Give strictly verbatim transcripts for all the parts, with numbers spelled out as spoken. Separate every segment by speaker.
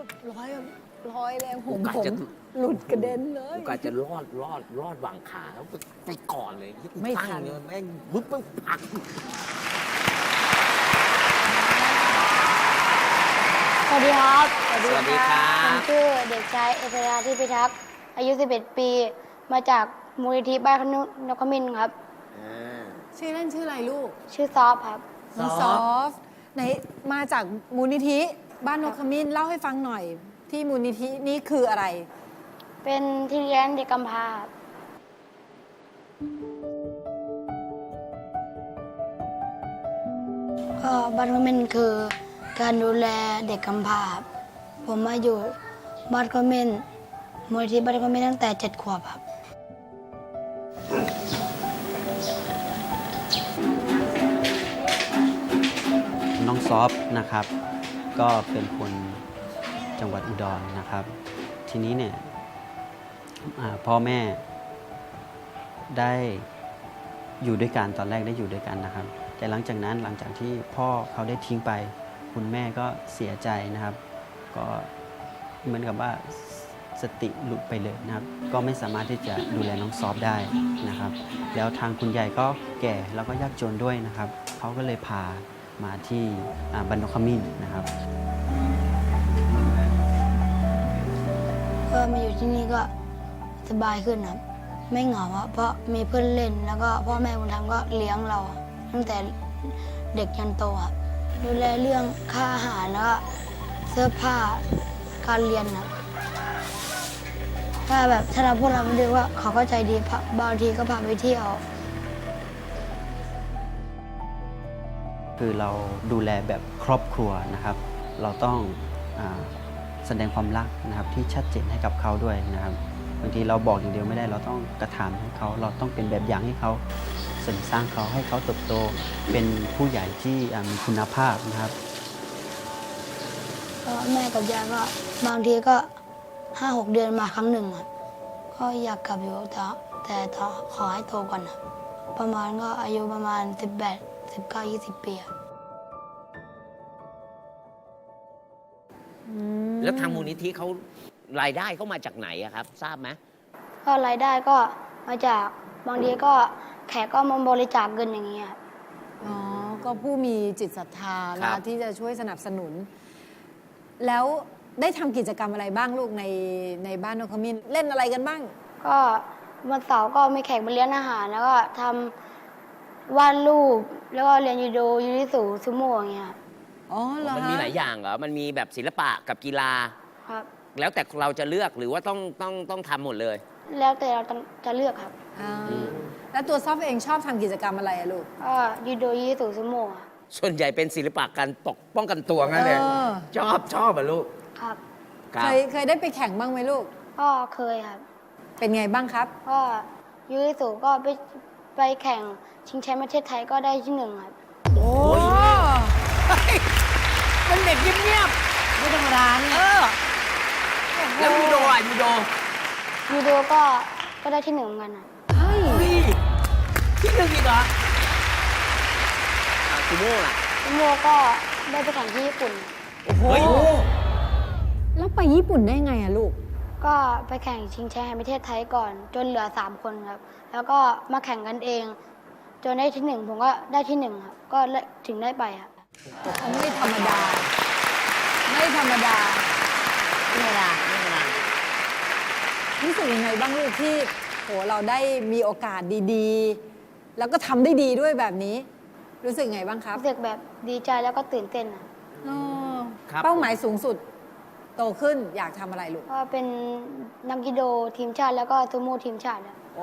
Speaker 1: ร้อยร้อยเลยผม
Speaker 2: โอกาส
Speaker 1: ผม
Speaker 2: จะ
Speaker 1: หลุดกระเด็นเลย
Speaker 2: โอกาสจะรอดรอดรอดวางขาแล้วไปก่อนเลย
Speaker 1: ไม่ทัน
Speaker 2: ตั้งเลยแม่งบึ๊บปึ๊บปัก
Speaker 3: สวัสดีครับ
Speaker 2: สวัสดีครั
Speaker 3: ผม
Speaker 2: บ
Speaker 3: ชื่อเด็กชายเอเตราที่พิทักษ์อายุ สิบเอ็ด ปี มาจากมูลนิธิบ้านขนุนกมินทร์ครับ
Speaker 2: อ่า
Speaker 1: ชื่อเล่นชื่ออะไรลูก
Speaker 3: ชื่อซอฟครับ
Speaker 1: น้อง
Speaker 2: ซ
Speaker 1: ซ
Speaker 2: อ
Speaker 1: อ
Speaker 2: ฟ
Speaker 1: ฟต์ไหนมาจากมูลนิธิบ้านนกขมิ้นเล่าให้ฟังหน่อย ที่มูลนิธินี่คืออะไร
Speaker 3: เป็นที่เลี้ยงเด็กกำพร้าครับก็บ้านขมินทร์คือการดูแลเด็กกำพร้าครับผมมาอยู่บ้านขมินทร์มูลนิธิบ้านขมินทร์ตั้งแต่เจ็ดขวบครับ
Speaker 4: น้องซอฟนะครับก็เป็นคนจังหวัดอุดรนะครับ ทีนี้เนี่ยอ่าพ่อแม่ได้อยู่ด้วยกันตอนแรกได้อยู่ด้วยกันนะครับ แต่หลังจากนั้นหลังจากที่พ่อเขาได้ทิ้งไป คุณแม่ก็เสียใจนะครับ ก็เหมือนกับว่าสติหลุดไปเลยนะครับ ก็ไม่สามารถที่จะดูแลน้องซอฟได้นะครับ แล้วทางคุณยายก็แก่แล้วก็ยากจนด้วยนะครับเขาก็เลยพามาที่อ่าบ้านนกขมิ้นนะครับ
Speaker 3: ก็มาอยู่ที่นี่ก็สบายขึ้นครับ ไม่เหงาครับเพราะมีเพื่อนเล่น แล้วก็พ่อแม่บุญธรรมก็เลี้ยงเรา ตั้งแต่เด็กยันโตครับดูแลเรื่องค่าอาหารแล้วก็เสื้อผ้าการเรียนครับถ้าแบบถ้าเราพวกเราไม่รู้ว่าเขาก็ใจดีพาบางทีก็พาไปเที่ยว
Speaker 4: คือเราดูแลแบบครอบครัวนะครับ เราต้องอาแสดงความรักนะครับที่ชัดเจนให้กับเขาด้วยนะครับบางทีเราบอกอย่างเดียวไม่ได้เราต้องกระทำให้เขาเราต้องเป็นแบบอย่างให้เขาเสริมสร้างเขาให้เขาเติบโตเป็นผู้ใหญ่ที่อ่ามีคุณภาพนะครับ
Speaker 3: ก็แม่กับยายก็บางทีก็ห้าหกเดือนมาครั้งหนึ่งครับก็อยากกลับอยู่แต่แต่ขอให้โตก่อนครับประมาณก็อายุประมาณสิบแปด สิบเก้า ยี่สิบปีครับ
Speaker 2: แล้วทางมูลนิธิเขารายได้เขามาจากไหนอะครับ ทราบไหม
Speaker 3: ก็รายได้ก็มาจากบางทีก็แขกก็มาบริจาคเงินอย่างเงี้ยครับ
Speaker 1: อ๋อ ก็ผู้มีจิตศรัทธา
Speaker 2: ครั
Speaker 1: นะ
Speaker 2: บ
Speaker 1: ที่จะช่วยสนับสนุน แล้วได้ทำกิจกรรมอะไรบ้างลูกในในบ้านนกขมิ้นเล่นอะไรกันบ้าง
Speaker 3: ก็วันเสาร์ก็มีแขกมาเลี้ยงอาหาร แล้วก็ทำวาดรูปแล้วก็เรียนยูโดยูริสุซูโม่อย่างเงี้ยครับ
Speaker 1: อ๋อเหรอ
Speaker 2: มันมีหลายอย่างเหรอ มันมีแบบศิลปะกับกีฬา
Speaker 3: ครับ
Speaker 2: แล้วแต่เราจะเลือกหรือว่าต้องต้องต้องทำหมดเลย
Speaker 3: แล้วแต่เราจะเลือกครับ
Speaker 1: อ่าแล้วตัวซอฟเองชอบทำกิจกรรมอะไรอะลูก
Speaker 3: ก็ยูโดยูริสุซูโม่ครับ
Speaker 2: ส่วนใหญ่เป็นศิลปะการปกป้องกันตัวงั้นเลย
Speaker 1: เออ
Speaker 2: ชอบชอบอ่ะลูก
Speaker 3: ครับ
Speaker 2: ครั
Speaker 1: เค
Speaker 2: บ
Speaker 1: ยเคยได้ไปแข่งบ้างไหมลูก
Speaker 3: ก็เคยครับ
Speaker 1: เป็นไงบ้างครับ
Speaker 3: ก็ยูริสุก็ไปไปแข่งชิงแชมป์ประเทศไทยก็ได้ที่หนึ่งครับ
Speaker 1: โอ้
Speaker 2: เป็นเด็กเงียบ
Speaker 1: ไม่ธรรมดานี่
Speaker 2: ๆเออ แล้วยูโดอ่ะยูโด
Speaker 3: ยูโดก็ก็ได้ที่หนึ่งเหมือนกันครับ
Speaker 1: เฮ้ย
Speaker 2: นี่ที่หนึ่งอีกเหรออ่ะซูโม่ล่ะ
Speaker 3: ซูโม่ก็ได้ไปแข่งที่ญี่ปุ่น
Speaker 2: เฮ้ย
Speaker 1: แล้วไปญี่ปุ่นได้ไงอะลูก
Speaker 3: ก็ไปแข่งชิงแชมป์แห่งประเทศไทยก่อน จนเหลือสามคนครับ แล้วก็มาแข่งกันเอง จนได้ที่หนึ่งผมก็ได้ที่หนึ่งครับ ก็ถึงได้ไปครับ
Speaker 1: เขาไม่ธรรมดา ไม่ธรรมดา
Speaker 2: ไม่ธรรมดาไม่ธรรมดา
Speaker 1: รู้สึกยังไงบ้างลูกที่โหเราได้มีโอกาสดีๆ แล้วก็ทำได้ดีด้วยแบบนี้ รู้สึกไงบ้างครับ
Speaker 3: รู้สึกแบบดีใจแล้วก็ตื่นเต้นครับ
Speaker 1: อ๋อ
Speaker 2: ครับ
Speaker 1: เป้าหมายสูงสุด โตขึ้นอยากทำอะไรลูก
Speaker 3: ก็เป็นนักยูโดทีมชาติแล้วก็ซูโม่ทีมชาติครับ
Speaker 1: โอ้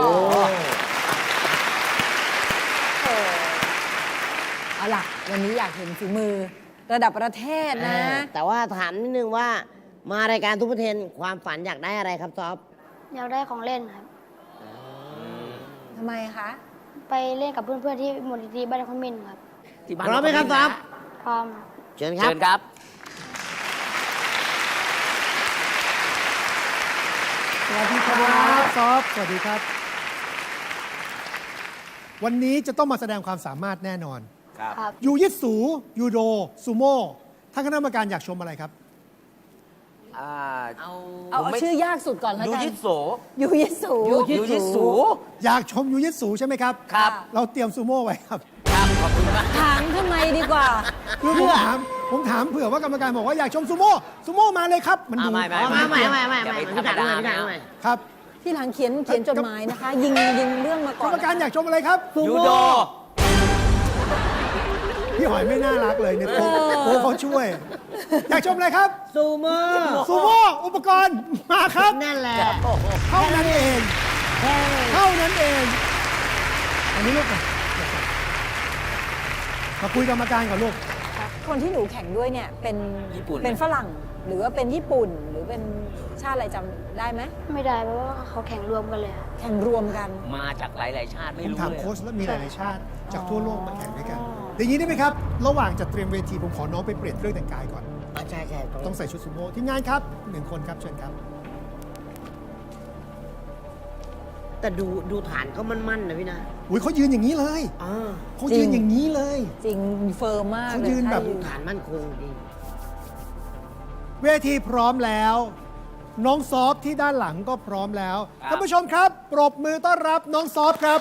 Speaker 2: โอ้
Speaker 1: เอาล่ะ วันนี้อยากเห็นฝีมือ ระดับประเทศนะ
Speaker 5: อ่าแต่ว่าถามนิดนึงว่ามารายการทุกประเทนความฝันอยากได้อะไรครับซอฟ
Speaker 3: อยากได้ของเล่นครับ
Speaker 1: ทำไมคะ
Speaker 3: ไปเล่นกับเพื่อนๆที่มูลนิธิบ้านคอมมินครับ
Speaker 2: ที่บ้าน
Speaker 5: พร้อมไหมครับซอฟ
Speaker 3: พร้อมครับ
Speaker 5: เชิญครับ
Speaker 2: เชิญครับ
Speaker 6: สวัสดีครับซอฟสวัสดีครับ วันนี้จะต้องมาแสดงความสามารถแน่นอน
Speaker 2: ครับ
Speaker 3: ครับ
Speaker 6: ยูยิตสูยูโดซูโม่ท่านคณะกรรมการอยากชมอะไรครับ
Speaker 2: อ่า
Speaker 1: เอาเอาชื่อยากสุดก่อนแล้ว
Speaker 2: ยู
Speaker 1: กัน
Speaker 2: ยิโส
Speaker 1: ยูยิสู
Speaker 2: ยูยิสู
Speaker 6: อยากชมยูยิสูใช่ไหมครับ
Speaker 2: ครับ
Speaker 6: เราเตรียมซูโม่ไว้ครับ
Speaker 2: ครับขอบคุณมาก
Speaker 1: ถามทำไมดีกว่า
Speaker 6: คือผมถามผมถามเผื่อว่ากรรมการบอกว่าอยากชมซูโม่ซูโม่มาเลยครับ มันดู
Speaker 2: อ่าไม่ไม่
Speaker 5: มาใหม่ใหม่ใหม่
Speaker 2: อย่า
Speaker 5: ใหม่
Speaker 2: ไป
Speaker 5: พี่
Speaker 2: ธรรม
Speaker 5: ถัง
Speaker 2: ดา
Speaker 5: ใหม่พี่ถังใหม่
Speaker 6: ครับ
Speaker 1: ที่หลังเขียนเขียนจดหมายนะคะ ยิงยิงเรื่องมาก ก่
Speaker 6: ร
Speaker 1: อน
Speaker 6: รมการอยากชมอะไรครับ
Speaker 2: ยูโด
Speaker 6: พี่หอยไม่น่ารักเลยเนี่ยโอ้โหเขาช่วย อยากชมอะไรครับ
Speaker 5: ซูโม่
Speaker 6: ซูโม่อุปกรณ์มาครับ
Speaker 5: นั่นแหละ
Speaker 6: เท่านั้นเองเท่านั้นเองอันนี้ลูกมามาคุยกรรมการก่อนลูก
Speaker 1: คนที่หนูแข่งด้วยเนี่ยเป็น
Speaker 2: ญี่ปุ่น
Speaker 1: เป็นฝรั่งหรือว่าเป็นญี่ปุ่นหรือเป็นชาติอะไรจำได้ไหม
Speaker 3: ไม่ได้เพราะว่าเขาแข่งรวมกันเลยอะ
Speaker 1: แข่งรวมกัน
Speaker 2: มาจากหลาย ๆ ชาติ
Speaker 6: ผ
Speaker 2: ไม่
Speaker 6: ม
Speaker 2: รู้
Speaker 6: ถาม
Speaker 2: เลย
Speaker 6: โค้ชแล้วมีหลายๆชาติ จากทั่วโลกมาแข่งด้วยกัน
Speaker 1: อ๋อ
Speaker 6: อย่างนี้ได้ไหมครับ ระหว่างจะเตรียมเวทีผมขอน้องไปเปลี่ยนเครื่องแต่งกายก่อน
Speaker 5: อ่ะใช่ใช่ตรง
Speaker 6: ต้องใส่ชุดซูโม่ทีมงานครับหนึ่งคนครับเชิญครับ
Speaker 5: แต่ดูดูฐานเขามั่นๆนะพี่นะ
Speaker 6: อุ้ยเขายืนอย่างนี้เลย
Speaker 5: อ่า
Speaker 6: เขายืนอย่างนี้เลย
Speaker 1: จริงเฟิร์มมาก
Speaker 6: เขา
Speaker 1: เลย
Speaker 6: ยืนแบบ
Speaker 1: ถ้า
Speaker 5: ฐานมั่นคงดี
Speaker 6: เวทีพร้อมแล้ว น้องซอฟที่ด้านหลังก็พร้อมแล้ว
Speaker 2: ครับ
Speaker 6: ท่านผู้ชมครับ ปรบมือต้อนรับน้องซอฟครับ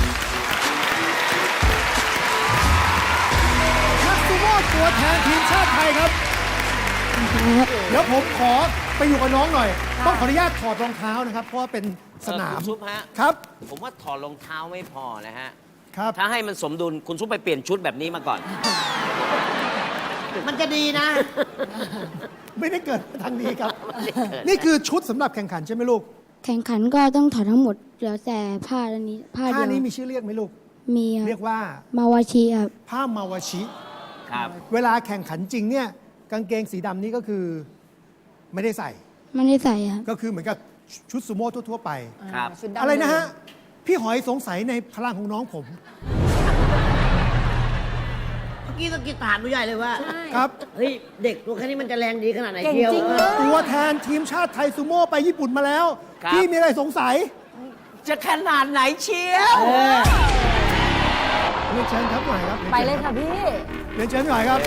Speaker 6: นักซูโม่ตัวแทนทีมชาติไทยครับ เดี๋ยวผมขอไปอยู่กับน้องหน่อย ต้องขออนุญาตถอดรองเท้านะครับ เพราะว่าเป็นสนาม
Speaker 2: เออคุณซุปฮะ
Speaker 6: ครับ
Speaker 2: ผมว่าถอดรองเท้าไม่พอนะฮะ
Speaker 6: ครับ
Speaker 2: ถ้าให้มันสมดุลคุณซุปไปเปลี่ยนชุดแบบนี้มาก่อน
Speaker 5: มันจะดีนะ
Speaker 6: ไม่ได้เกิดทางนี้ครับ นี่คือชุดสำหรับแข่งขันใช่ไหมลูก
Speaker 3: แข่งขันก็ต้องถอดทั้งหมดเหลือแต่ผ้าอันนี้ผ้า
Speaker 6: ผ้า
Speaker 3: เดียว
Speaker 6: นี้มีชื่อเรียกไหมลูก
Speaker 3: มีค
Speaker 6: เรี
Speaker 3: รั
Speaker 6: ย
Speaker 3: บ
Speaker 6: กว่า
Speaker 3: มาวาชีครับ
Speaker 6: ผ้ามาวาชิ
Speaker 2: ครับ
Speaker 6: เวลาแข่งขันจริงเนี่ยกางเกงสีดำนี่ก็คือไม่ได้ใส่
Speaker 3: ไม่ได้ใส่ครับ
Speaker 6: ก็คือเหมือนกับชุดซูโม่ทั่วๆไป
Speaker 2: ครับ
Speaker 1: ชุดดำ
Speaker 6: อะไรนะฮะ พี่หอยสงสัยในพลังของน้องผม
Speaker 5: เมื่อกี้ตะกี้ถามดูใหญ่เลยว่า
Speaker 1: ใช่
Speaker 6: ครับ
Speaker 5: เฮ้ย เด็กตัวแค่นี้มันจะแรงดีขนาดไหน
Speaker 1: เก่ง
Speaker 5: เที่ยว
Speaker 1: จริงเลย
Speaker 6: ตัวแทนทีมชาติไทยซูโม่ไปญี่ปุ่นมาแล้ว
Speaker 2: ครับ
Speaker 6: พี่มีอะไรสงสัย
Speaker 2: จะขนาดไหนเชียว
Speaker 5: เออ
Speaker 6: เรียนเชิญครับหน่อยครับ
Speaker 1: ไปเลยค่ะพี่
Speaker 6: เรียนเชิญหน่อยครับ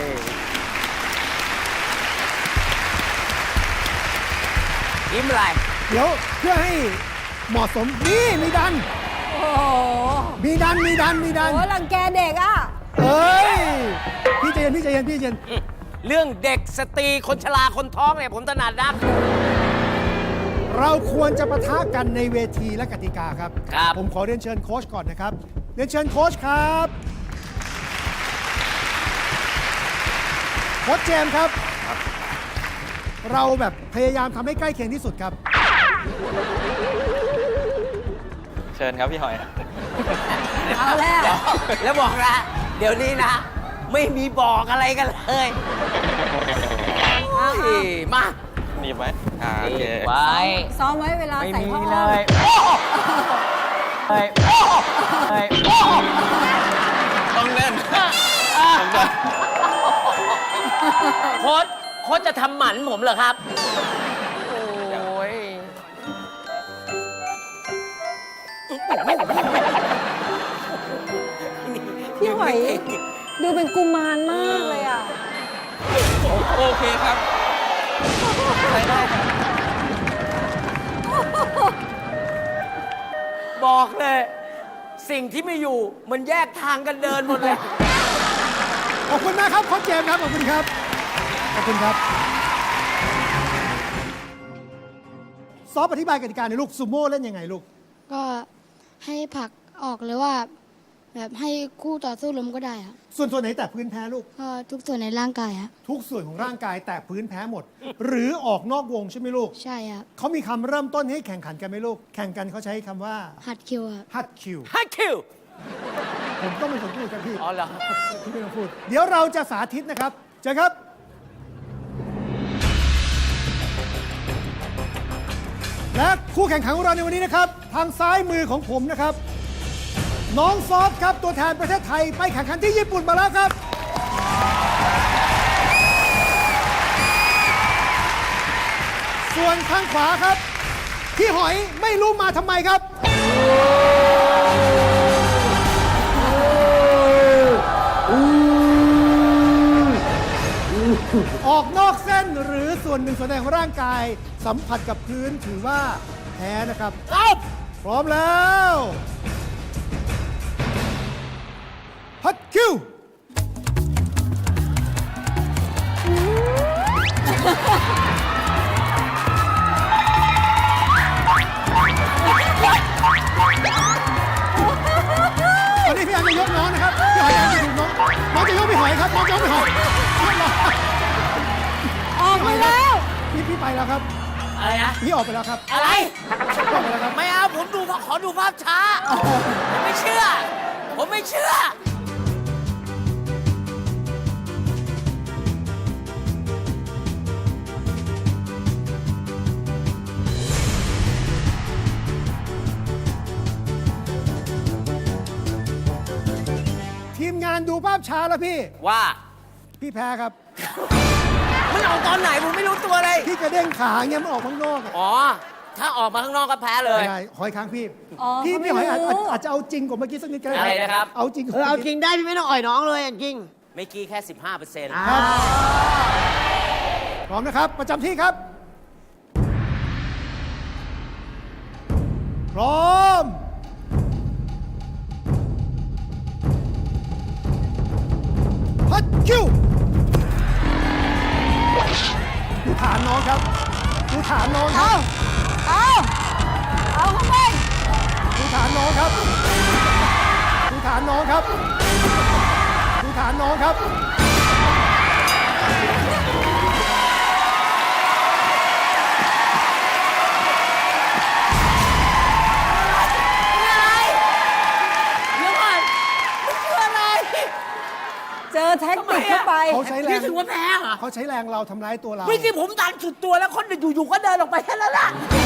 Speaker 2: ยิ้มอะไร
Speaker 6: เดี๋ยวเพื่อให้เหมาะสมนี่มีดัน
Speaker 1: โอ้โห
Speaker 6: มีดันมีดันมีดัน
Speaker 1: โอ้รังแกเด็กอ่ะ
Speaker 6: เอ้ยพี่ใจเย็นพี่ใจเย็นพี่ใจเย็น
Speaker 2: เรื่องเด็กสตรีคนชราคนท้องเนี่ยผมถนัดนัก
Speaker 6: เราควรจะปะทะกันในเวทีและกติกาครับ
Speaker 2: ครับ
Speaker 6: ผมขอเรียนเชิญโค้ชก่อนนะครับ เรียนเชิญโค้ชครับ โค้ชเจมส์ครับ เราแบบพยายามทำให้ใกล้เคียงที่สุดครับ
Speaker 7: เชิญครับพี่หอย
Speaker 1: เอาแล้ว
Speaker 2: แล้วบอกนะ เดี๋ยวนี้นะ ไม่มีบอกอะไรกันเลยโอ้ยมา
Speaker 7: หนีบไหมอ่าโอเค
Speaker 2: ไว้
Speaker 1: ซ้อมไว้เวลา
Speaker 2: ไม่
Speaker 1: ใส่
Speaker 2: มี
Speaker 1: ผ้า
Speaker 2: เล
Speaker 1: อ้อม
Speaker 2: ยโอ้เฮ้ยโอ้เฮ้ยโอ้
Speaker 7: ต้องเล่น
Speaker 2: โค้ชโค้ชจะทำหมันผมเหรอครับ โอ้ย
Speaker 1: พี่หอยดูเป็นกุมารมากเลยอ่ะ
Speaker 7: โอเคครับใช้ได้ครับ
Speaker 2: บอกเลย สิ่งที่ไม่อยู่มันแยกทางกันเดินหมดเลย
Speaker 6: ขอบคุณมากครับโค้ชเจมส์ครับ ขอบคุณครับ ขอบคุณครับ ซอฟอธิบายกติกาในอยลูกซูโม่เล่นยังไงลูก
Speaker 3: ก็ให้ผลักออกหรือว่า แบบให้คู่ต่อสู้ล้มก็ได้ครับ
Speaker 6: ส่วนส่วนไหนแต่พื้นแพ้ลูก
Speaker 3: ก็ทุกส่วนในร่างกายครับ
Speaker 6: ทุกส่วนของร่างกายแต่พื้นแพ้หมด หรือออกนอกวงใช่ไหมลูก
Speaker 3: ใช่ครับ
Speaker 6: เขามีคำเริ่มต้นให้แข่งขันกันไหมลูก แข่งกันเขาใช้คำว่า
Speaker 3: หัดคิวครับ
Speaker 6: ฮัตคิว
Speaker 2: ฮัทคิว
Speaker 6: ผมต้องเป็นคนพูดครับพี่
Speaker 2: อ๋อเหรอ
Speaker 6: พี่ไม่ต้องพูด เดี๋ยวเราจะสาธิตนะครับเจอครับ และคู่แข่งขันของเราในวันนี้นะครับ ทางซ้ายมือของผมนะครับ น้องซอฟครับตัวแทนประเทศไทยไปแข่งขันที่ญี่ปุ่นมาแล้วครับ ส่วนข้างขวาครับ พี่หอยไม่รู้มาทำไมครับ ออกอกนอกเส้นหรือส่วนหนึ่งส่วนใดของร่างกายสัมผัสกับพื้นถือว่าแพ้นะครับครับพร้อมแล้วฮัตคิวตอนนี้พี่อันจะยกน้องนะครับพี่หอยอันจะถูกน้องน้องจะยกพี่หอยครับน้องจะยกพี่หอย
Speaker 1: ออกมาแล้ว
Speaker 6: พี่พี่ไปแล้วครับ
Speaker 2: อะไรนะ
Speaker 6: พี่ออกไปแล้วครับ
Speaker 2: อะไร
Speaker 6: ออกไปแล้วครับ
Speaker 2: ไม่เอาผมดูขอดูภาพช้า ผมไม่เชื่อ ผมไม่เชื่อ
Speaker 6: ทีมงานดูภาพช้าแล้วพี่
Speaker 2: ว่า
Speaker 6: พี่แพ้ครับ
Speaker 2: มันออกตอนไหนผมไม่รู้ตัวเลย
Speaker 6: พี่กระเด้งขาเงี้ยมันออกข้างนอกอะ
Speaker 2: อ๋อ ถ้าออกมาข้างนอกก็แพ้เลย
Speaker 6: ไม่ได้หอยค้างพี่
Speaker 1: อ๋อ
Speaker 6: พี่
Speaker 1: เขาไม่
Speaker 6: พี่หอยอาจ
Speaker 1: รู้
Speaker 6: อาจอาจจะเอาจริงกว่าเมื่อกี้สักนิดก็ได้
Speaker 2: อะไรนะครับ
Speaker 6: เอาจริง
Speaker 5: เออเอาจริงได้พี่ไม่ต้องอ่อยน้องเลยจริง
Speaker 2: ไม่กี้แค่ สิบห้าเปอร์เซ็นต์
Speaker 6: ครับพร้อมนะครับ ประจำที่ครับ พร้อม พัดคิวดูฐานน้องครับดูฐานน้องครับ
Speaker 1: เอา เอาเข้าไป
Speaker 6: ดูฐานน้องครับดูฐานน้องครับดูฐานน้องครับ
Speaker 2: เดี๋ยวก่อนมันคืออะไร
Speaker 1: เจอแท็กติกเข้าไป
Speaker 6: เขาใช้แร
Speaker 2: นี่
Speaker 6: ง
Speaker 2: ถือว่าแพ้เหรอ
Speaker 6: เขาใช้แรงเราทำร้ายตัวเรา
Speaker 2: เมื่อกี้ผมดันสุดตัวแล้วคนอยู่ๆก็เดินออกไปแค่นั้นแหละ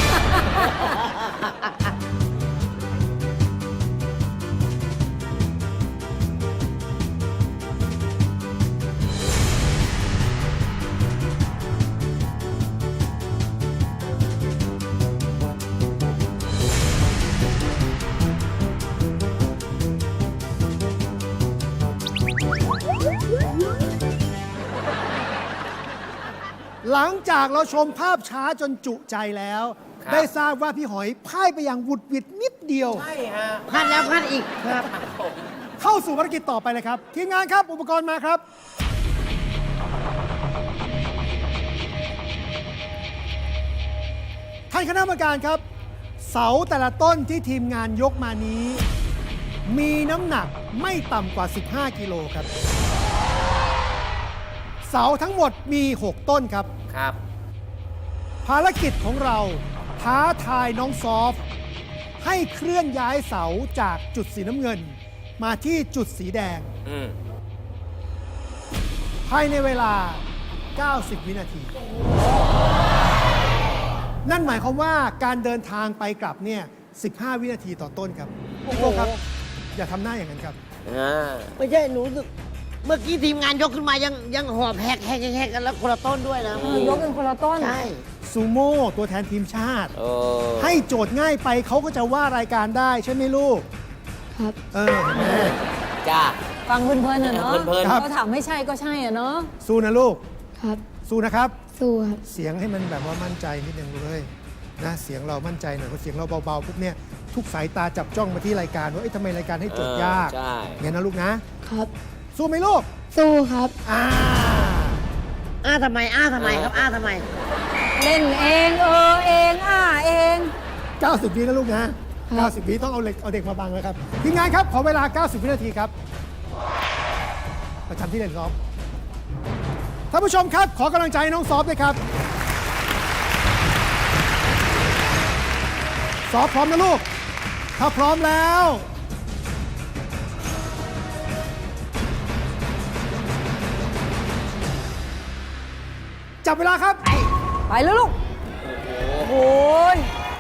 Speaker 6: หลังจากเราชมภาพช้าจนจุใจแล้ว
Speaker 2: ครับ
Speaker 6: ได้ทราบว่าพี่หอยพ่ายไปอย่างหวุดหวิดนิดเดียว
Speaker 2: ใช่ฮะ
Speaker 5: ๆพลาดแล้วพลาดอีกครับ
Speaker 6: เข้าสู่ภารกิจต่อไปเลยครับ ทีมงานครับ อุปกรณ์มาครับ ท่านคณะกรรมการครับ เสาแต่ละต้นที่ทีมงานยกมานี้ มีน้ำหนักไม่ต่ำกว่า สิบห้า กิโลครับ เสาทั้งหมดมี หก ต้นครับ
Speaker 2: ครับ
Speaker 6: ภารกิจของเราท้าทายน้องซอฟให้เคลื่อนย้ายเสาจากจุดสีน้ำเงิน มาที่จุดสีแดง
Speaker 2: อืม
Speaker 6: ภายในเวลา เก้าสิบ วินาที นั่นหมายความว่าการเดินทางไปกลับเนี่ย สิบห้า วินาทีต่อต้นครับพี่โก้ครับ อย่าทำหน้าอย่างนั้นครับ
Speaker 2: อ่า
Speaker 5: ไม่ใช่หนูรู้สึกเมื่อกี้ทีมงานยกขึ้นมายังยังหอบแฮกแฮกแฮกกันแล้วคนละต้นด้วยนะ
Speaker 1: เออยกกันคนละต้น
Speaker 5: ใช่
Speaker 6: ซูโม่ตัวแทนทีมชาติ
Speaker 2: โอ้
Speaker 6: ให้โจทย์ง่ายไปเขาก็จะว่ารายการได้ใช่ไหมลูก
Speaker 3: ครับ
Speaker 6: เออเห็นไหม
Speaker 2: จ้า
Speaker 1: ฟังเพลินๆอะเนาะ
Speaker 2: เพลินๆ
Speaker 6: ครับ
Speaker 1: เขาถามไม่ใช่ก็ใช่อะเนาะ
Speaker 6: สู้นะลูก
Speaker 3: ครับ
Speaker 6: สู้นะครับ
Speaker 3: สู้ครับ
Speaker 6: เสียงให้มันแบบว่ามั่นใจนิดนึงเลยนะเสียงเรามั่นใจหน่อยเพราะเสียงเราเบาๆปุ๊บเนี่ยทุกสายตาจับจ้องมาที่รายการว่าเอ้ยทำไมรายการให้โจทย์ยาก
Speaker 2: เออใช่
Speaker 6: งั้นนะลูกนะ
Speaker 3: ครับ
Speaker 6: สู้ไหมลูก
Speaker 3: สู้ครับ
Speaker 6: อ่า
Speaker 5: อ้าทำไม อ้าทำไมครับ อ้าทำไม
Speaker 1: เล่นเองเออเองอ่าเอง
Speaker 6: เก้าสิบวินะลูกนะเก้าสิบวิต้องเอาเด็กเอาเด็กมาบังแล้วครับทีมงานครับ ขอเวลา เก้าสิบ วินาทีครับ ประจำที่เล่นซ้อมท่านผู้ชมครับ ขอกำลังใจให้น้องซอฟด้วยครับ ซอฟพร้อมนะลูก ถ้าพร้อมแล้ว จับเวลาครับ
Speaker 1: ไปแล้วลูก โอ้โหย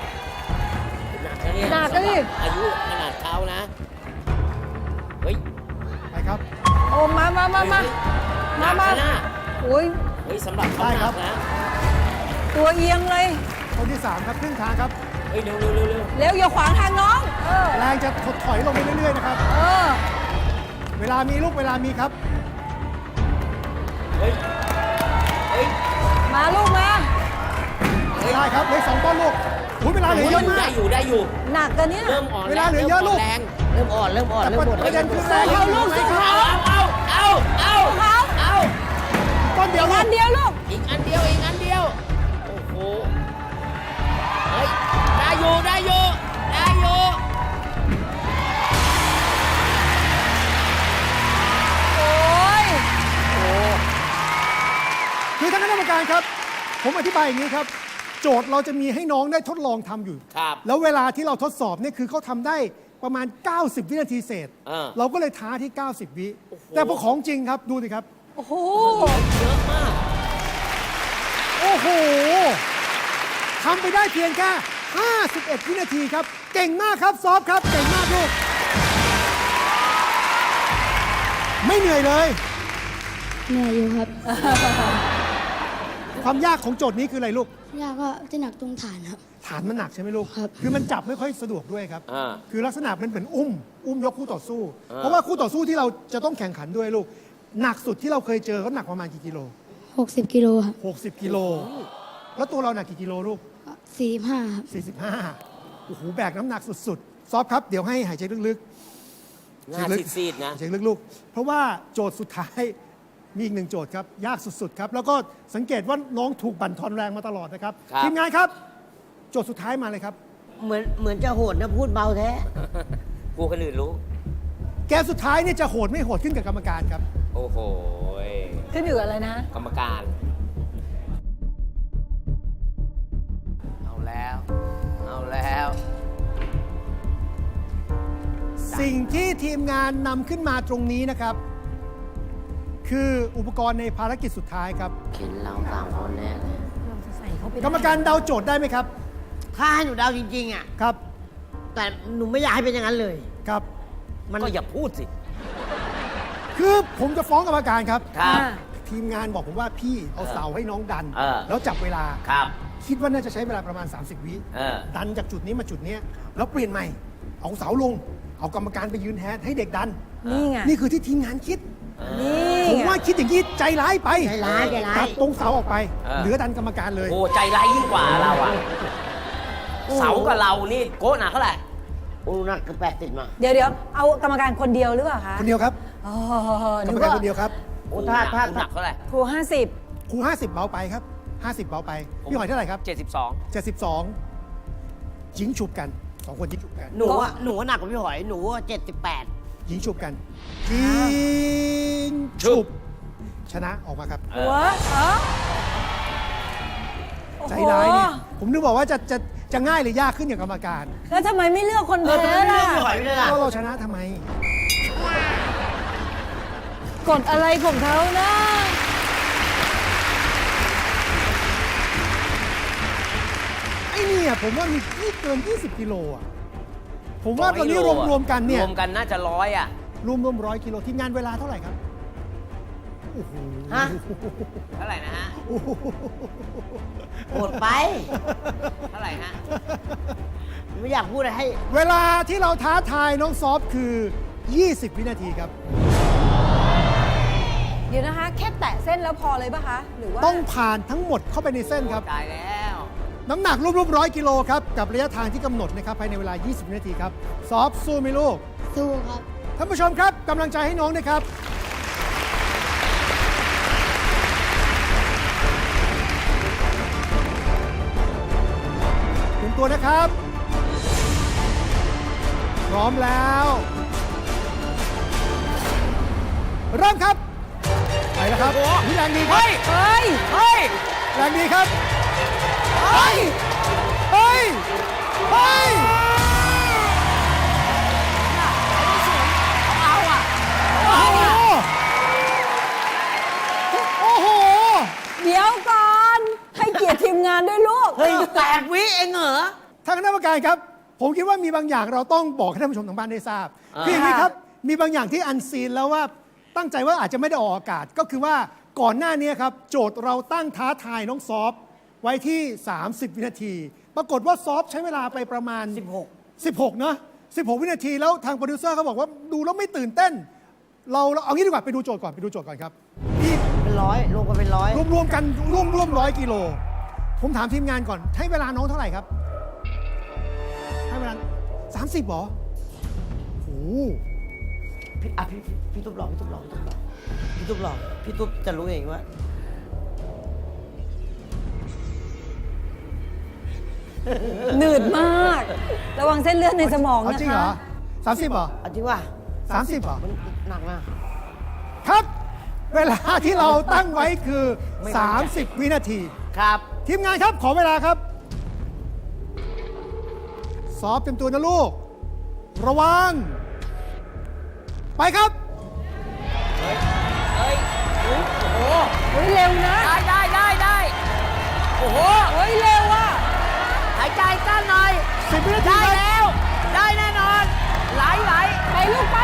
Speaker 1: หนักอะดิ
Speaker 2: อายุขนาดเขานะ เฮ้ย
Speaker 6: ไปครับ
Speaker 1: โอ้มามามามามามา
Speaker 2: หนักนะ
Speaker 1: โอ้ย
Speaker 2: เฮ้ยสำหรับเขา
Speaker 6: ได้
Speaker 2: ห
Speaker 6: ครั
Speaker 2: นั
Speaker 6: บ
Speaker 2: กนะ
Speaker 1: ตัวเอียงเลย
Speaker 6: คนที่ สาม ครับครึ่งทางครับ
Speaker 2: เฮ้ยเร็วเร็วเร็วเร็ว
Speaker 1: เร็วอย่าขวางทางน้อง เออ
Speaker 6: แรงจะถดถอยลงไปเรื่อยๆนะครับ
Speaker 1: เออ
Speaker 6: เวลามีลูกเวลามีครับ
Speaker 2: เฮ้ย
Speaker 1: มาลูกมา
Speaker 6: ได้ครับเหลืออกสองต้นลูกอุ้ยเวลาเหลือเยอะมาก
Speaker 2: ได้อยู่ได้อยู่
Speaker 1: หนักกันเนี่ย
Speaker 2: เริ่มอ่อน
Speaker 6: เวลาเหลือเยอะลูก
Speaker 2: แรงเริ่มอ่อนเริ่มอ่อนเริ่มหมด
Speaker 6: ประเด็นคือแรง
Speaker 1: เอาลูกสิคะ
Speaker 2: เอาเอาเอาเอาเอา
Speaker 6: ต้นเดียวลู
Speaker 1: อั
Speaker 6: ก
Speaker 1: นเดียวลูก
Speaker 2: อีกอันเดียวอีกอันเดียวโอ้โหเฮ้ยได้อยู่ได้อยู่ได้อยู่
Speaker 1: โอ้ย
Speaker 6: คือท่านคณะกรรมการครับ ผมอธิบายอย่างนี้ครับ โจทย์เราจะมีให้น้องได้ทดลองทำอยู่
Speaker 2: ครับ
Speaker 6: แล้วเวลาที่เราทดสอบเนี่ยคือเขาทำได้ประมาณ เก้าสิบ วินาทีเศษ
Speaker 2: เออ
Speaker 6: เราก็เลยท้าที่ เก้าสิบ วิ แต่พอของจริงครับ ดูสิครับ
Speaker 1: โอ้โห
Speaker 2: เยอะมาก
Speaker 6: โอ้โหทำไปได้เพียงแค่ ห้าสิบเอ็ด วินาทีครับ เก่งมากครับ ซอฟครับ เก่งมากลูก ไม่เหนื่อยเลย
Speaker 3: เหนื่อยอยู่ครับ
Speaker 6: ความยากของโจทย์นี้คืออะไรลูก
Speaker 3: ยากก็ที่หนักตรงฐานครับ
Speaker 6: ฐานมันหนักใช่ไหมลูก
Speaker 3: ครับ
Speaker 6: คือมันจับไม่ค่อยสะดวกด้วยครับ
Speaker 2: อ่า
Speaker 6: คือลักษณะมันเหมือนอุ้ม อุ้มยกคู่ต่อสู้
Speaker 2: อ่า
Speaker 6: เพราะว่าคู่ต่อสู้ที่เราจะต้องแข่งขันด้วยลูก หนักสุดที่เราเคยเจอเขาหนักประมาณกี่กิโล
Speaker 3: 60 กิโลครับ
Speaker 6: 60 กิโล แล้วตัวเราหนักกี่กิโลลูก
Speaker 3: สี่สิบห้าครับ
Speaker 6: สี่สิบห้า โอ้โห แบกน้ำหนักสุดๆ ซอฟครับ เดี๋ยวให้หายใจลึกๆ
Speaker 2: หน้าซีดๆนะ
Speaker 6: หายใจลึกๆ เพราะว่าโจทย์สุดท้ายมีอีกหนึ่งโจทย์ครับ ยากสุดๆ ครับ แล้วก็สังเกตว่าน้องถูกบั่นทอนแรงมาตลอดนะครับ
Speaker 2: ครับ
Speaker 6: ทีมงานครับ โจทย์สุดท้ายมาเลยครับ
Speaker 5: เหมือนเหมือนจะโหดนะพูดเบาแท้
Speaker 2: กูคนอื่นรู้
Speaker 6: แกมสุดท้ายเนี่ยจะโหดไม่โหดขึ้นกับกรรมการครับ
Speaker 2: โอ้โห
Speaker 1: ขึ้นอยู่กับอะไรนะ
Speaker 2: กรรมการ เอาแล้ว เอาแล้ว
Speaker 6: สิ่งที่ทีมงานนำขึ้นมาตรงนี้นะครับ คืออุปกรณ์ในภารกิจสุดท้ายครับ
Speaker 2: เข็นเราสามคนแน่เลย
Speaker 1: เราจะใส่เข้าไปได้
Speaker 6: กรรมการเดาโจทย์ได้ไหมครับ
Speaker 5: ถ้าให้หนูเดาจริง ๆ อ่ะ
Speaker 6: ครับ
Speaker 5: แต่หนูไม่อยากให้เป็นอย่างนั้นเลย
Speaker 6: ครับ
Speaker 5: มัน
Speaker 2: ก็อย่าพูดสิ
Speaker 6: คือผมจะฟ้องกรรมการครับ
Speaker 2: ครับ
Speaker 1: อ่า
Speaker 6: ทีมงานบอกผมว่าพี่เอาเสาให้น้องดัน
Speaker 2: เออ
Speaker 6: แล้วจับเวลา
Speaker 2: ครับ
Speaker 6: คิดว่าน่าจะใช้เวลาประมาณ สามสิบ วิ
Speaker 2: เออ
Speaker 6: ดันจากจุดนี้มาจุดเนี้ยแล้วเปลี่ยนใหม่ เอาเสาลง เอากรรมการไปยืนแทนให้เด็กดัน
Speaker 1: นี่ไง
Speaker 6: นี่คือที่ทีมงานคิด
Speaker 1: นี่
Speaker 6: ผม
Speaker 1: ไง
Speaker 6: ว่าคิดอย่างนี้ใจร้ายไป
Speaker 5: ใจร้ายใจร้าย
Speaker 6: ตัดตรงเสาออกไป
Speaker 2: เออ
Speaker 6: เหลือดันกรรมการเลย
Speaker 2: โอ้ใจร้ายยิ่งกว่าเราอะเสากับเรานี่โก้หนักเท่าไหร่
Speaker 5: โอ้หนักเกับแปดสิบมา
Speaker 1: เดี๋ยวเดี๋ยวเอากรรมการคนเดียวหรือเปล่าคะ
Speaker 6: คนเดียวครับ
Speaker 1: อ๋อก
Speaker 6: ร
Speaker 1: นึ
Speaker 6: รม
Speaker 1: ก
Speaker 6: การ
Speaker 1: ว่า
Speaker 6: คนเดียวครับ
Speaker 5: โอ้ถ้าถ้า
Speaker 2: หนักเท่าไหร่
Speaker 1: ครูห้าสิบ
Speaker 6: ครูห้าสิบเบาไปครับห้าสิบเบาไป พี่หอยเท่าไหร่ครับ
Speaker 2: เจ็ดสิบสอง
Speaker 6: เจ็ดสิบสองยิงฉุบกันสองคนยิงฉุบกัน
Speaker 5: หนูอะหนูอะหนักกว่าพี่หอย หนูเจ็ดสิบแปด
Speaker 6: ยิงฉุบกัน ยิงฉุบ ชนะออกมาครับ
Speaker 2: เอ
Speaker 1: หัว
Speaker 2: อ
Speaker 1: เออโอ้โห
Speaker 6: ใจร้ายเนี่ย ผมนึกบอกว่าจะจะจะง่ายหรือยากขึ้นอย่างกรรมการ
Speaker 1: แล้วทำไมไม่เลือกคน
Speaker 5: เออ
Speaker 1: แพ้
Speaker 5: ทำไมไม่
Speaker 1: ล่ะ
Speaker 5: เลือกพี่หอยไม่ได้ล่ะ
Speaker 6: ก็เราชนะทำไม
Speaker 1: กดอะไรของเขานะ
Speaker 6: ไอ้เนี่ยผมว่ามีนี่เกิน ยี่สิบ กิโลอ่ะ ผมว่าตอนนี้รวมรวมๆกันเนี่ย
Speaker 2: รวมกันน่าจะร้อยอะ
Speaker 6: รวมรวมร้อยกิโลทีมงานเวลาเท่าไหร่ครับ โอ้โห
Speaker 5: ฮะ
Speaker 2: เท่าไหร่นะฮะ
Speaker 6: โอ้โห
Speaker 5: โหดไป
Speaker 2: เท่าไหร่ฮะ
Speaker 5: ไม่อยากพูดอะไรให้
Speaker 6: เวลาที่เราท้าทายน้องซอฟคือ ยี่สิบ วินาทีครับ
Speaker 1: เดี๋ยวนะคะ แค่แตะเส้นแล้วพอเลยปะคะ หรือว่า
Speaker 6: ต้องผ่านทั้งหมดเข้าไปในเส้นครับ
Speaker 2: ตายแล้ว
Speaker 6: น้ำหนักรวมๆร้อยกิโลครับ กับระยะทางที่กำหนดนะครับภายในเวลา ยี่สิบ วินาทีครับ ซอฟสู้ไหมลูก
Speaker 3: สู้ครับ
Speaker 6: ท่านผู้ชมครับกำลังใจให้น้องด้วยครับ เตรียมตัวนะครับ พร้อมแล้ว เริ่มครับ ไปแล้วครับนี่แรงดีครับ
Speaker 2: เฮ้ย
Speaker 1: เฮ้ย
Speaker 2: เฮ้ย
Speaker 6: แรงดีครับ เฮ้ย เฮ้ย เฮ้ย
Speaker 2: เอาอะ
Speaker 6: โอ้โห โอ้โห
Speaker 1: เดี๋ยวก่อน ให้เกียรติทีมงานด้วยลูก
Speaker 5: เฮ้ยแปดวิเองเหรอ
Speaker 6: ทางคณะกรรมการครับ ผมคิดว่ามีบางอย่างเราต้องบอกให้ท่านผู้ชมทางบ้านได้ทราบคืออย่างนี้ครับ มีบางอย่างที่อันซีนแล้วว่าตั้งใจว่าอาจจะไม่ได้ออกอากาศ ก็คือว่าก่อนหน้านี้ครับ โจทย์เราตั้งท้าทายน้องซอฟไว้ที่ สามสิบ วินาที ปรากฏว่าซอฟใช้เวลาไปประมาณ
Speaker 5: สิบหก
Speaker 6: สิบหกเนอะสิบหก วินาทีแล้วทางโปรดิวเซอร์เขาบอกว่าดูแล้วไม่ตื่นเต้น เราเราเอางี้ดีกว่าไปดูโจทย์ก่อนไปดูโจทย์ก่อนครับพี่
Speaker 5: เป็นไรร้อยรวมกันเป็นร้อย
Speaker 6: รวมรวมกันร่วมร่วมร้อยกิโล ผมถามทีมงานก่อน ให้เวลาน้องเท่าไหร่ครับ ให้เวลาสามสิบหรอโอ้โห
Speaker 5: พี่อ่ะพี่พี่พี่ตุ๊บหลอกพี่ตุ๊บหลอกพี่ตุ๊บหลอกพี่ตุ๊บหลอกพี่ตุ๊บจะรู้เองว่า
Speaker 1: หนืดมาก ระวังเส้นเลือดในสมอง
Speaker 6: เอา
Speaker 1: นะ
Speaker 6: จริงเหร
Speaker 1: คะ
Speaker 6: อสามสิบเหรอ
Speaker 5: เอาจริงว่า
Speaker 6: สามสิบเหรอ
Speaker 5: มันหนักนะ
Speaker 6: ครับ เวลาที่เราตั้งไว้คือ
Speaker 5: ไม่มั่นใจ
Speaker 6: สามสิบ วินาที
Speaker 5: ครับ
Speaker 6: ทีมงานครับ ขอเวลาครับซอฟเต็มตัวนะลูก ระวัง ไปครับ
Speaker 2: เฮ้ยโอ้โห
Speaker 1: เฮ้ยเร็วนะ
Speaker 2: ได้ได้ได้ได้โอ้โห
Speaker 1: เฮ้ยเร็วอ่ะ
Speaker 2: หายใจสั้นหน่อย
Speaker 6: สิบ วินาที
Speaker 2: ได้
Speaker 6: ครับ
Speaker 2: แล้ว ได้แน่นอน ไหลไหล
Speaker 1: ไปลูกไป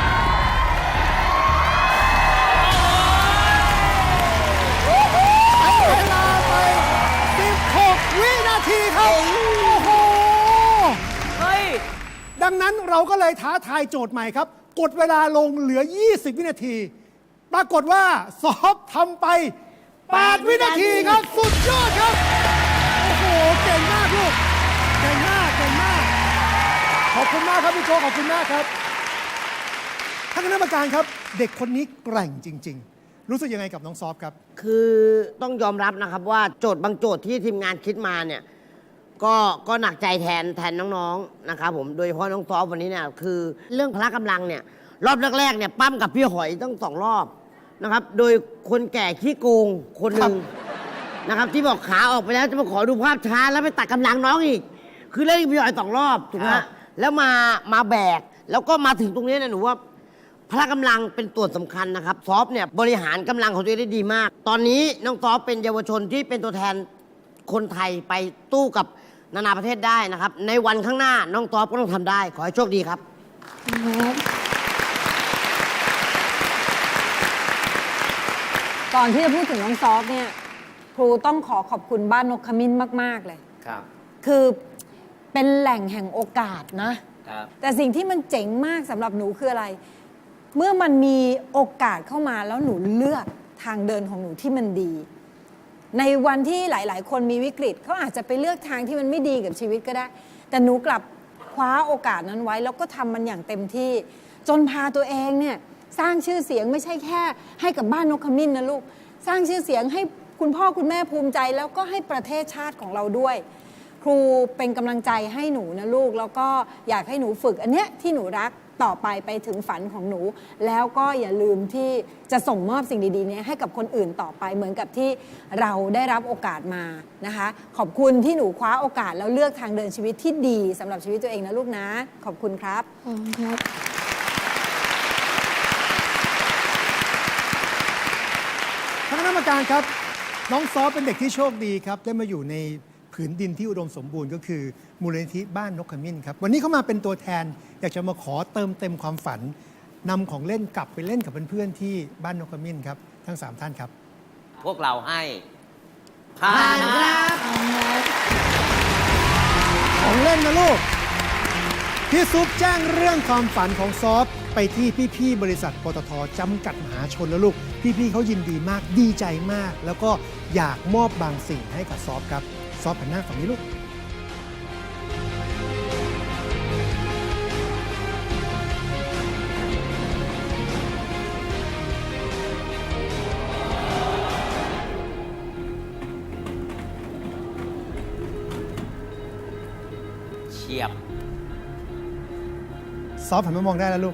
Speaker 6: ใช้เวลาไป สิบหก วินาทีครับ โอ้โห
Speaker 2: เฮ้ย
Speaker 6: ดังนั้นเราก็เลยท้าทายโจทย์ใหม่ครับ กดเวลาลงเหลือ ยี่สิบ วินาที ปรากฏว่าซอฟทำไป แปด วินาทีครับ สุดยอดครับ โอ้โห เก่งมากลูก เก่งมาก เก่งมาก ขอบคุณมากครับพี่โจขอบคุณมากครับ ท่านคณะกรรมการครับ เด็กคนนี้แกร่งจริง ๆ รู้สึกยังไงกับน้องซอฟครับ
Speaker 5: คือต้องยอมรับนะครับว่าโจทย์บางโจทย์ที่ทีมงานคิดมาเนี่ยก็ก็หนักใจแทนแทนน้องๆนะครับผมโดยเฉพาะน้องซอฟวันนี้เนี่ยคือเรื่องพละกำลังเนี่ยรอบแรกๆเนี่ยปั้มกับพี่หอยต้องสองรอบนะครับโดยคนแก่ขี้โกงคนหนึ่งนะครับที่บอกขาออกไปแล้วจะมาขอดูภาพช้าแล้วไปตัดกำลังน้องอีก คือเล่นกับพี่หอยสองรอบถูกไหม
Speaker 6: ครั
Speaker 5: ฮะ
Speaker 6: บ
Speaker 5: แล้วมามาแบกแล้วก็มาถึงตรงนี้เนี่ยหนูว่า พละกำลังเป็นตัวสำคัญนะครับซอฟเนี่ยบริหารกำลังของตัวเองได้ดีมาก ตอนนี้น้องซอฟเป็นเยาวชนที่เป็นตัวแทนคนไทยไปตู้กับนานาประเทศได้นะครับ ในวันข้างหน้าน้องซอฟก็ต้องทำได้ ขอให้โชคดีครับ
Speaker 1: ก่อนที่จะพูดถึงน้องซอฟเนี่ยครูต้องขอขอบคุณบ้านนกขมิ้นมาก ๆ เลย
Speaker 2: ครับ
Speaker 1: คือเป็นแหล่งแห่งโอกาสนะ
Speaker 2: ครับ
Speaker 1: แต่สิ่งที่มันเจ๋งมากสำหรับหนูคืออะไร เมื่อมันมีโอกาสเข้ามาแล้วหนูเลือกทางเดินของหนูที่มันดี ในวันที่หลาย ๆ คนมีวิกฤตเขาอาจจะไปเลือกทางที่มันไม่ดีกับชีวิตก็ได้ แต่หนูกลับคว้าโอกาสนั้นไว้ แล้วก็ทำมันอย่างเต็มที่ จนพาตัวเองเนี่ยสร้างชื่อเสียงไม่ใช่แค่ให้กับบ้านนกขมิ้นนะลูก สร้างชื่อเสียงให้คุณพ่อคุณแม่ภูมิใจ แล้วก็ให้ประเทศชาติของเราด้วย ครูเป็นกำลังใจให้หนูนะลูก แล้วก็อยากให้หนูฝึกอันเนี้ยที่หนูรักต่อไปไปถึงฝันของหนู แล้วก็อย่าลืมที่จะส่งมอบสิ่งดีๆเนี้ให้กับคนอื่นต่อไปเหมือนกับที่เราได้รับโอกาสมานะคะ ขอบคุณที่หนูคว้าโอกาสแล้วเลือกทางเดินชีวิตที่ดีสำหรับชีวิตตัวเองนะลูกนะ ขอบคุณครับ
Speaker 3: ขอบคุณครับ
Speaker 6: ท่านคณะกรรมการครับ น้องซอฟเป็นเด็กที่โชคดีครับ ได้มาอยู่ในผืนดินที่อุดมสมบูรณ์ก็คือมูลนิธิบ้านนกขมิ้นครับ วันนี้เขามาเป็นตัวแทน อยากจะมาขอเติมเต็มความฝันนำของเล่นกลับไปเล่นกับเพื่อนๆที่บ้านนกขมิ้นครับ ทั้งสามท่านครับ
Speaker 2: พวกเราให้ผ่านครับ
Speaker 6: ของเล่นนะลูก พี่ซุปแจ้งเรื่องความฝันของซอฟไปที่พี่ๆบริษัทปตทจำกัดมหาชนแล้วลูก พี่ๆเขายินดีมากดีใจมาก แล้วก็อยากมอบบางสิ่งให้กับซอฟครับซอฟหันหน้าฝั่งนี้ลูก
Speaker 2: เฉียบ
Speaker 6: ซอฟหันมามองได้แล้วลูก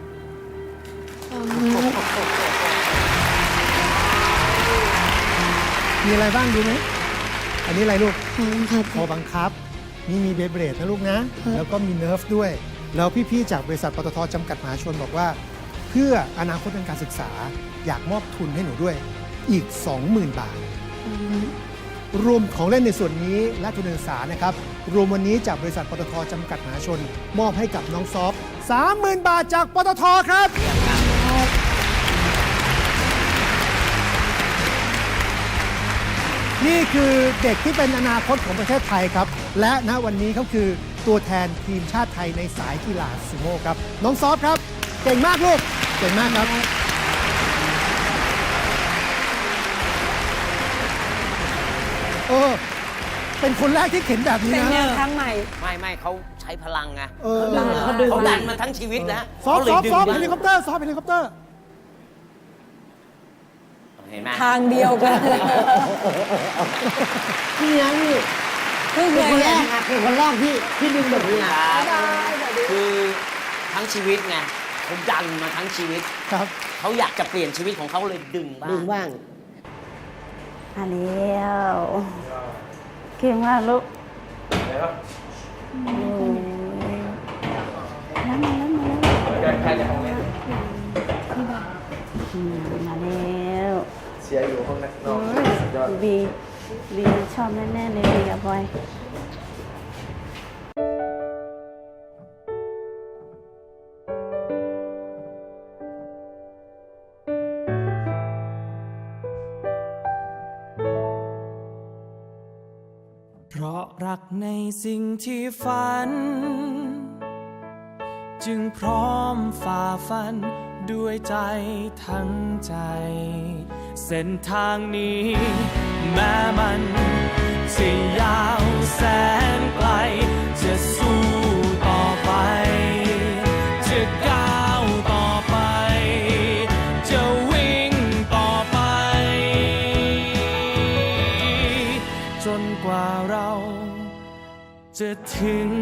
Speaker 6: มีอะไรบ้างดูไหม อันนี้อะไรลูก
Speaker 3: ขอบคุณครับ
Speaker 6: คอบังคับ นี่มีเบเบรดนะลูกนะ
Speaker 3: ครับ
Speaker 6: แล้วก็มีเนิร์ฟด้วย แล้วพี่ๆจากบริษัทปตทจำกัดมหาชนบอกว่า เพื่ออนาคตทางการศึกษาอยากมอบทุนให้หนูด้วยอีก สองหมื่น บาท รวมของเล่นในส่วนนี้และทุนการศึกษานะครับ รวมวันนี้จากบริษัทปตทจำกัดมหาชน มอบให้กับน้องซอฟ สามหมื่น บาทจากปตทครับ นี่คือเด็กที่เป็นอนาคตของประเทศไทยครับ และณวันนี้เขาคือตัวแทนทีมชาติไทยในสายกีฬาซูโม่ครับ น้องซอฟครับ เก่งมากลูก เก่งมากครับเออ เป็นคนแรกที่เข็นแบบนี้
Speaker 1: เป็น
Speaker 6: นะ
Speaker 1: แนวทางใหม่
Speaker 2: ไม่ไม่เขาใช้พลังไง
Speaker 6: เออ
Speaker 2: เขาดึงเขาดันมาทั้งชีวิตนะ
Speaker 6: ซอฟ
Speaker 2: เขาเล
Speaker 6: ซ
Speaker 2: ย
Speaker 6: อฟ
Speaker 2: ดึง
Speaker 6: ซอฟ
Speaker 2: ได้
Speaker 6: เฮลิคอปเตอร์ซอฟเฮลิคอปเตอร์
Speaker 2: เห็นไหม
Speaker 1: ทางเดียวกัน
Speaker 5: พี่นะพี่
Speaker 1: เพิ่งเค
Speaker 5: เป็น
Speaker 1: ย
Speaker 5: คนแร
Speaker 1: เห็น
Speaker 5: กอะเป็นคนแรกที่ที่ดึงแบบนี้
Speaker 2: ค
Speaker 5: อะ
Speaker 2: รับคือทั้งชีวิตไงเขาดันมาทั้งชีวิต
Speaker 6: ครับ
Speaker 2: เขาอยากจะเปลี่ยนชีวิตของเขาเลยดึงบ้า
Speaker 5: ดึ
Speaker 2: ง
Speaker 5: งบ้าง
Speaker 8: มาแล้วเก่งมากลูกโอ้ยแล้วมาแล้วมาแล้ว
Speaker 7: ใครจะของเล่น
Speaker 8: อืมมาแล้ว
Speaker 7: เชียร์อยู่ห้องนั้นนอกสุดยอด
Speaker 8: บีบีชอบแน่ๆเลยบีกับบอย
Speaker 9: เพราะรักในสิ่งที่ฝัน จึงพร้อมฝ่าฟันด้วยใจทั้งใจ เส้นทางนี้แม้มันจะยาวแสนไกล จะสู้ต่อไป จะก้าวต่อไป จะวิ่งต่อไป จนกว่าเราจะถึง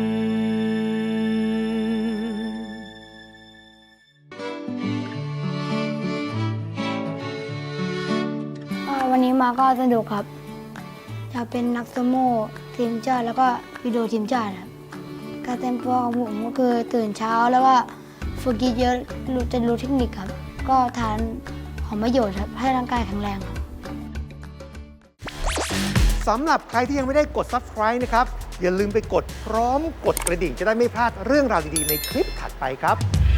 Speaker 3: อ่าวันนี้มาก็สนุกครับอยากเป็นนักสโม่ทีมชาติแล้วก็วิดีโอทีมชาติครับการเตรียมตัวของผมก็คือตื่นเช้าแล้วก็ฝึกเยอะๆรู้จะรู้เทคนิคครับ ก็ทานของประโยชน์ครับให้ร่างกายแข็งแรงครับ
Speaker 6: สำหรับใครที่ยังไม่ได้กด Subscribe นะครับ อย่าลืมไปกดพร้อมกดกระดิ่งจะได้ไม่พลาดเรื่องราวดีๆในคลิปถัดไปครับ